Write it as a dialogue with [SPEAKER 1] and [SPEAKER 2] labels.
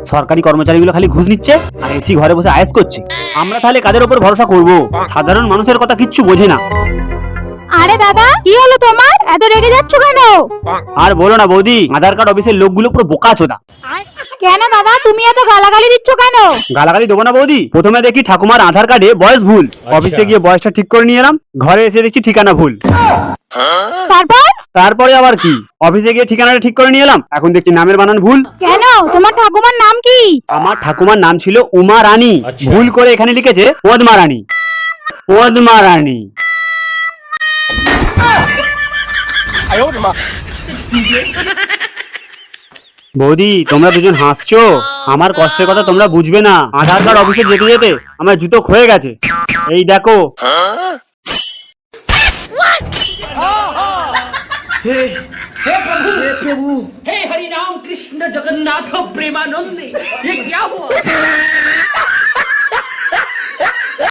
[SPEAKER 1] সরকারি কর্মচারীগুলো খালি ঘুষ নিচ্ছে আর এসি ঘরে বসে আয়েশ করছে। আমরা তাহলে কাদের উপর ভরসা করব? সাধারণ মানুষের কথা কিচ্ছু বোঝে না।
[SPEAKER 2] আরে দাদা, কি হলো তোমার? এত রেগে যাচ্ছ কেন?
[SPEAKER 1] আর বলো না বৌদি, আধার কার্ড অফিসের লোকগুলো পুরো বোকাচোদা।
[SPEAKER 2] কেন দাদা, তুমি এত গালাগালি দিচ্ছ কেন?
[SPEAKER 1] গালাগালি দেবো না বৌদি, প্রথমে দেখি ঠাকুমার আধার কার্ডে বয়স ভুল, অফিসে গিয়ে বয়সটা ঠিক করে নিয়ে এলাম, ঘরে এসে দেখছি ঠিকানা ভুল।
[SPEAKER 2] তারপর?
[SPEAKER 1] তারপরে আবার কি, অফিসে গিয়ে ঠিকানাটা ঠিক করে নিয়ে এলাম, এখন দেখছি নামের বানান ভুল।
[SPEAKER 2] কেন, তোমার ঠাকুমার নাম কি?
[SPEAKER 1] আমার ঠাকুমার নাম ছিল উমা রানী, ভুল করে এখানে লিখেছে পদ্মা রানী। পদ্মা রানী। বৌদি, তোমরা দুজন হাসছো, আমার কষ্টের কথা তোমরা বুঝবে না। আধার কার্ড অফিসে যেতে যেতে আমার জুতো ক্ষয়ে গেছে, এই দেখো।
[SPEAKER 3] हे प्रभु हे हरि राम कृष्ण जगन्नाथ प्रेमानंद, ये क्या हुआ?